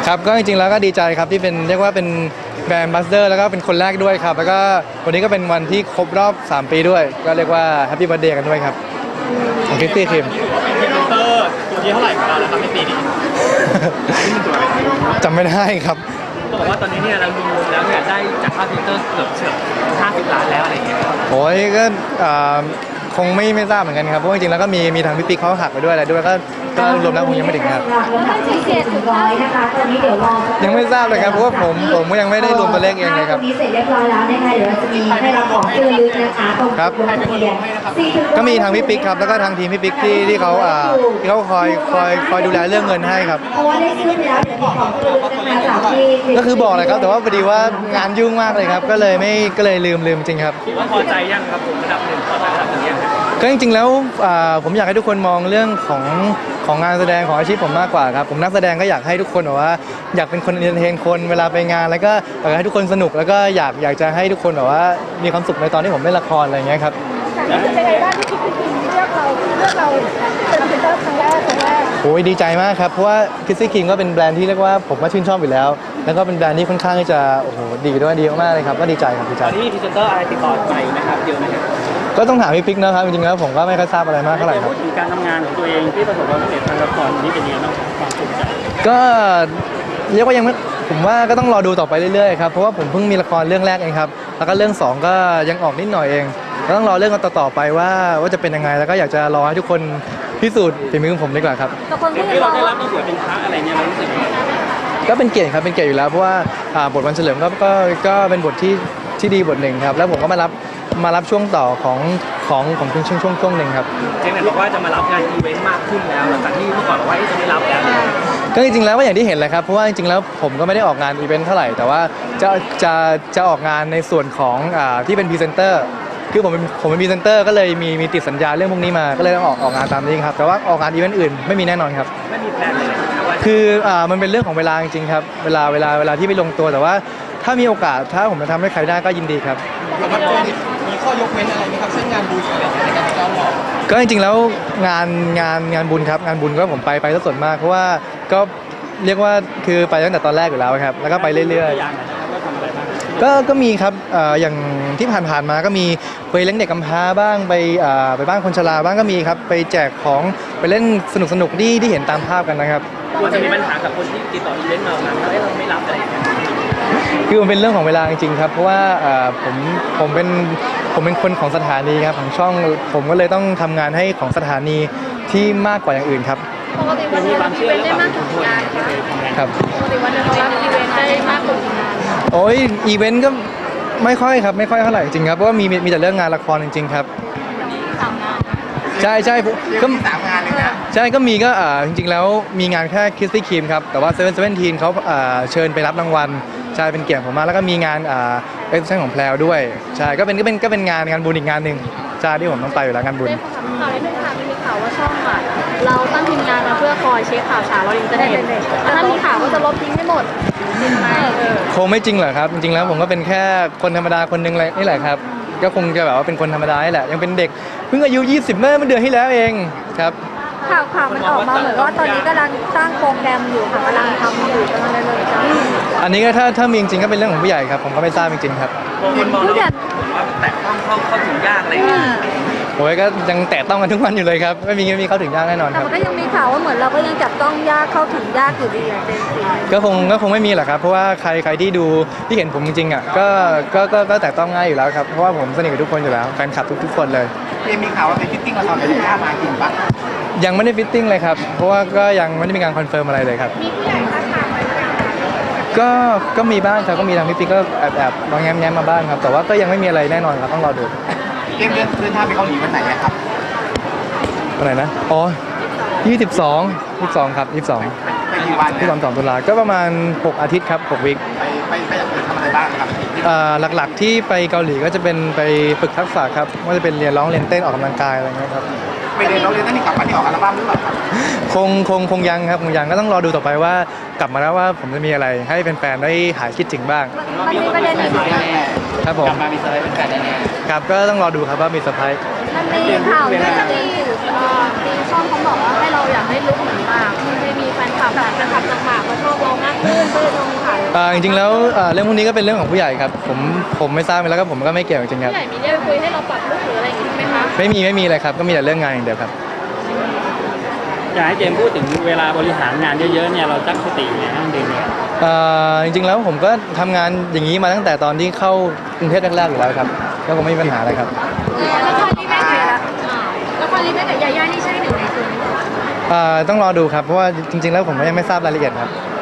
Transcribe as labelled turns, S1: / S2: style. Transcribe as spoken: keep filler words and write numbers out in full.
S1: ครับก็จริงๆแล้วก็ดีใจครับที่เป็นเรียกว่าเป็นแบรนด์บัสเดอร์แล้วก็เป็นคนแรกด้วยครับแล้วก็วันนี้ก็เป็นวันที่ครบรอบสามปีด้วยก็เรียกว่าแฮปปี้เบิร์ธเดย์กันด้วยครับของคิสตี้ครีม
S2: พรีเซนเตอร์ตัวที่เท่าไหร่ของเราแล้วครับในปีนี้
S1: จำไม่ได้ครับ
S2: เขาบอกว่าตอนนี้เนี่ยเรารวมๆแล้วเนี่ยได้จากค่าพรีเซนเตอร์เกือบเฉียดห้าสิบล้านแล้วอะไรอย่างเงี้ย
S1: โอ้ยก็คงไม่ไม่ทราบเหมือนกันครับเพราะจริงๆแล้วก็มีมีทางพี่ปิ๊กเขาหักไปด้วยอะไรด้วยก็ก็รวมแล้วคงยังไม่ถึงครับยังไม่ทราบเลยครับเพราะว่าผมผมก็ยังไม่ได้รวมตัวเลขเองเลยครับ
S3: นี้เสร็จเรียบร้อยแล้วนะคะเดี๋ยวเราจะมีให้รับของที่ระลึกนะคะตรง
S1: ครับก็มีทางพี่ปิ๊กครับแล้วก็ทางทีมพี่ปิ๊กที่ที่เขาอ่าที่เขาคอยคอยคอยดูแลเรื่องเงินให้ครับ
S3: เพราะว่าได้ซื้อไปแล้วเดี๋ยวมีของที่ระลึกนะคะจากที่
S1: ก็คือบอกเลยครับแต่ว่าพอดีว่างานยุ่งมากเลยครับก็เลยไม่ก็เลยลืมลืมจริงครับ
S2: คิดว่าพอใจยังครับผมระดับหนึ่งพอใจระดับหนึ่งยัง
S1: ก็จริงๆแล้วผมอยากให้ทุกคนมองเรื่องของของงานแสดงของอาชีพผมมากกว่าครับผมนักแสดงก็อยากให้ทุกคนแบบว่าอยากเป็นคนเอนเตอร์เทนคนเวลาไปงานแล้วก็อยากให้ทุกคนสนุกแล้วก็อยากอยากจะให้ทุกคนแบบว่ามีความสุขในตอนที่ผมเล่นละครอะไรอย่างเงี้ยครับ
S4: รู้สึกยังไงบ้างที่คิดถึงเลือกเราเลือกเราเป็นพรีเซนเตอร์ครั้งแรกครั้งแรก
S1: โอ้ยดีใจมากครับเพราะว่าคิสซี่คิงก็เป็นแบรนด์ที่เรียกว่าผมก็ชื่นชอบอยู่แล้วแล้วก็เป็นแบรนด์ที่ค่อนข้างที่จะโอ้โหดีด้วยดีมากเลยครับก็ดีใจครับดีใจ
S2: ตอนนี้มีพรีเซนเตอร์อะไรติดต่อไปนะครับเดียวนะครับ
S1: ก็ต้องถามพี่ปิ๊กนะครับจริงๆแล้วผมก็ไม่ค่อยทราบอะไรมากเท่าไหร่ครับ
S2: พูดถึงการทำงานของตัวเองที่ประสบความสำเร็จทางละครนี่เป็นยังไงบ้างความภูมิใจ
S1: ก็เรียกว่ายังไม่ผมว่าก็ต้องรอดูต่อไปเรื่อยๆครับเพราะว่าผมเพิ่งมีละครเรื่องแรกเองครับแล้วก็เรื่องสองก็ยังออกนิดหน่อยเองก็ต้องรอเรื่องกันต่อๆไปว่าว่าจะเป็นยังไงแล้วก็อยากจะรอให้ทุกคนพิสูจน์ฝีมือของผมดีกว่าครับ
S4: แต่คนก็
S2: ที่เรา
S4: ยังมองว่า
S2: ได้รับต้องสวยเป็นพระอะไรเนี่ยเรารู้สึก
S1: ก็เป็นเกียรติครับเป็นเกียรติอยู่แล้วเพราะว่าบทวันเฉลิมก็ก็ก็เป็นบทที่ที่ดีบทหนึ่งครับแล้วผมก็มารับมารับช่วงต่อของของของช่วงช่วงช่วงหนึ่งครับ
S2: เจ๊เนี่ยบอกว่าจะมารับงานอีเวนต์มากขึ้นแล้วหลังจากที่เมื่อก่อนบอกว่าจะไม่รับแล้ว
S1: ก็จริงๆแล้วก็อย่างที่เห็นแหละครับเพราะว่าจริงๆแล้วผมก็ไม่ได้ออกงานอีเวนต์เท่าไหร่แต่ว่าจะจะจะออกงานในส่วนของอ่าที่เป็นพรีเซนเตอร์คือผมเป็นผมเป็นพรีเซนเตอร์ก็เลยมีมีติดสัญญาเรื่องพวกนี้มาก็เลยต้องออกออกงานตามนี้ครับแต่ว่าออกงานอีเวนต์อื่นไม่มีแน่นอนครับ
S2: ไม่มีแพลนเลย
S1: คืออ่ามันเป็นเรื่องของเวลาจริงๆครับเวลาเวลาเวลาที่ไม่ลงตัวแต่ว่าถ้ามีโอกาสถ้าผมจะทำให้ใครได้ก็ยินดีครับ
S2: มีข้อยกเว้นอะไรไหมครับเช่นงานบุญอะไรในการจ้างหรอ
S1: ก็จริงๆแล้วงานงานงานบุญครับงานบุญก็ผมไปไปซะส่วนมากเพราะว่าก็เรียกว่าคือไปตั้งแต่ตอนแรกอยู่แล้วครับแล้วก็ไปเรื่อยๆก็ก็มีครับอย่างที่ผ่านๆมาก็มีไปเลี้ยงเด็กกำพร้าบ้างไปไปบ้านคนชราบ้างก็มีครับไปแจกของไปเล่นสนุกๆที่ที่เห็นตามภาพกันนะครับ
S2: มันจะมีปัญหากับคนที่ติดต่ออีเวนต์มาว่าเราไม่รับอะไรอย่างเงี้ย
S1: คือมันเป็นเรื่องของเวลาจริงๆครับเพราะว่าผมผมเป็นผมเป็นคนของสถานีครับของช่องผมก็เลยต้องทำงานให้ของสถานีที่มากกว่าอย่างอื่นครับ
S4: ปกติวันนึงเราอีเวนต์ได้มากกว่ากี่งาน
S1: ครับ
S4: ปกติวันนึงเรารับอีเวนต์ได้มากกว่ากี่งาน
S1: โอ้ยอีเวนต์ก็ไม่ค่อยครับไม่ค่อยเท่าไหร่จริงครับเพราะว่ามีมีแต่เรื่องงานละครจริงๆครับ
S4: สามงาน
S1: ใช่ใช่ก็
S2: สามงานเลยนะ
S1: ใช่ก็มีก็จริงๆแล้วมีงานแค่คิสตี้ครีมครับแต่ว่าเซเว่นเซเว่นทีนเขาเชิญไปรับรางวัลใช่เป็นเกียรติผมมากแล้วก็มีงานเอ็กซ์ชั่นของแพลวด้วยใช่ก็เป็นก็เป็นก็เป็นงานงานบุญอีกงานหนึ่งใช่ที่ผมต้องไปอยู่แล้วงานบุญ
S4: ข่าวในหนึ่งค่ะมีข่าวว่าช่องอ่ะเราตั้งทีมงานมาเพื่อคอยเช็คข่าวสารเรายังจะได้เห็นแต่ถ้ามีข่าวก็จะลบทิ้งให้หมดจริงไหม
S1: คงไม่จริงหรอกครับจริงๆแล้วผมก็เป็นแค่คนธรรมดาคนหนึ่งนี่แหละครับก็คงจะแบบว่าเป็นคนธรรมดาแหละยังเป็นเด็กเพิ่งอายุยี่สิบเมื่อเดือนที่แล้วเองครับ
S4: ข่าวข่าวมันออกมาเหมือนว่าตอนนี้กำลังสร้างโปรแกรมอยู่ค่ะกำลังทำอยู่กำลังดำเนินการ
S1: อันนี้ก็ถ้าถ้ามีจริงๆก็เป็นเรื่องของผู้ใหญ่ครับผมก็ไม่ทราบจริงๆครับ
S2: ผู้ใหญ่ว่าแตะต้องเข้าเข้าถึงยากอะไรอย่างเงี้ย
S1: โอ้ยก็ยังแตะต้องกันทุกวันอยู่เลยครับไม่มีไม่มีเข้าถึงยากแน่นอนครับ
S4: แต่ก็ยังมีข่าวว่าเหมือนเราก็ยังจับต้องยากเข้าถึงยากอยู่ดีอย่างเต็มที่
S1: ก็คงก็คงไม่มีแหละครับเพราะว่าใครใครที่ดูที่เห็นผมจริงๆอ่ะก็ก็ก็ก็แตะต้องง่ายอยู่แล้วครับเพราะว่าผมสนิทกับทุกคนอยู่แล้วแฟนคลับทุกทุกคนเลย
S2: มีข่าวว่าเป็นฟิตติ้งละครเป็นหน้ามาจริงปะ
S1: ยังไม่ได้ฟิตติ้งเลยครับเพราะว่าก็ยังไม่ได้มีการคอนเฟิร์มอะไรเลยครับ
S4: มีผู้ใหญ่ทักทายไหม
S1: ก็ก็มีบ้างครับก็มีทางพี่ปิ๊กก็แอบแอบลองแง้มๆมาบ้างครับแต่ว่าก็ยังไม่มีอะไรแน่นอนครับต้องรอดู
S2: เรื่องเรื่องเดินทางไปเกาหลีวันไหนครับ
S1: วันไหนนะอ๋อยี่สิบสอง ยี่สิบสองครับยี่สิบสอง
S2: ไปกี่วัน
S1: ที่สองตุลาก็ประมาณหกอาทิตย์ครับหกวีค
S2: ไปไปไปทำอะไรบ้างครับ
S1: หลักๆที่ไปเกาหลีก็จะเป็นไปฝึกทักษะครับว่าจะเป็นเรียนร้องเรียนเต้นออกกำลังกายอะไรเงี้ยครับ
S2: ไปเรียนร้องเรียนเต้นนี่กลับมาที่ออกอัลบั้มหรือเปล่า
S1: คงคงคงยังครับคงยังก็ต้องรอดูต่อไปว่ากลับมาแล้วว่าผมจะมีอะไรให้แฟนๆได้หายคิดถึงบ้าง
S4: มันมีประเด็นอีกไหม
S1: ครับผม
S2: กลับมามีเซอร์ไพรส์เป็นแฟนแน่
S1: ครับก็ต้องรอดูครับว่ามีเซอร์ไพรส์
S4: มันมีข่าวที่จะมีตีช่องเขาบอกว่าให้เราอยากให้ลุกเหมือนหมากให้มีแฟนคลับแบบแฟนคลับจากหมากมาชอบเรามากขึ้น
S1: อ่าจริงๆแล้วอ่าเรื่องพวกนี้ก็เป็นเรื่องของผู้ใหญ่ครับผมผมไม่ทราบแล้วก็ผมก็ไม่เกี่ยวจริงๆครับ
S4: ผู้ใหญ่มีเรียกไปคุยให้เราปรับลุคหรืออะไรอย่างงี้ไหมคะ
S1: ไม่มีไม่มีเลยครับก็มีแต่เรื่องงานอย่างเดียวครับ
S2: อยากให้เจมส์พูดถึงเวลาบริหารงานเยอะๆเนี่ยเราตั้งสติยังไงให้มันดีเนี่ย
S1: เอ่อจริงๆแล้วผมก็ทำงานอย่างนี้มาตั้งแต่ตอนที่เข้ากรุงเทพแรกๆอยู่แล้วครับก็คงไม่มีปัญหาอะไรครับ
S4: ละครรีเมคกับละครรีเมคกับยาย่านี่ใช่หนึ่งในตัวนี้
S1: เอ่อต้องรอดูครับเพราะว่าจริงๆแล้วผมก็ยังไม่ทราบรายละเอียดครับ
S4: อ